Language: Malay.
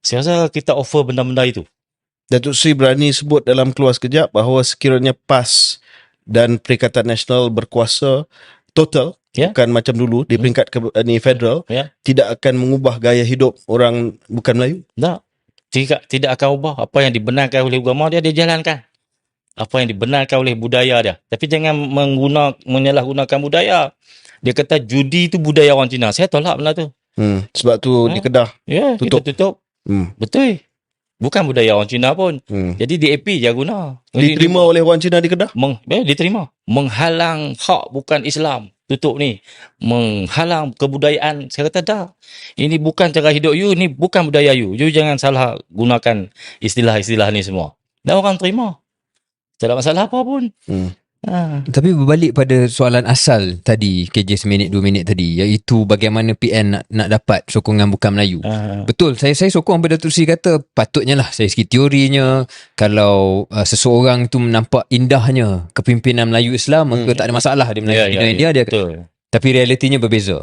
Saya rasa kita offer benda-benda itu. Datuk Seri berani sebut dalam Keluar Sekejap bahawa sekiranya PAS dan Perikatan Nasional berkuasa total, Ya. bukan macam dulu di peringkat federal, Ya. tidak akan mengubah gaya hidup orang bukan Melayu. Tak. Tidak akan ubah. Apa yang dibenarkan oleh agama dia jalankan. Apa yang dibenarkan oleh budaya dia. Tapi jangan menyalahgunakan budaya. Dia kata judi itu budaya orang Cina. Saya tolak benda tu. Sebab tu di Kedah Ya, tutup. kita tutup. Betul. Bukan budaya orang Cina pun. Jadi DAP je guna. Diterima oleh orang Cina di Kedah? Diterima. Menghalang hak bukan Islam. Tutup ni. Menghalang kebudayaan. Saya kata dah. Ini bukan cara hidup you. Ini bukan budaya you. You jangan salah gunakan istilah-istilah ni semua. Dan orang terima. Tak ada masalah apa pun. Tapi berbalik pada soalan asal tadi, KJ seminit 2 minit tadi, iaitu bagaimana PN nak dapat sokongan bukan Melayu. Betul, saya sokong apa Datuk Seri kata. Patutnya lah, saya segi teorinya, kalau seseorang tu nampak indahnya kepimpinan Melayu Islam, maka tak ada masalah dia Melayu India dia. Betul. Tapi realitinya berbeza.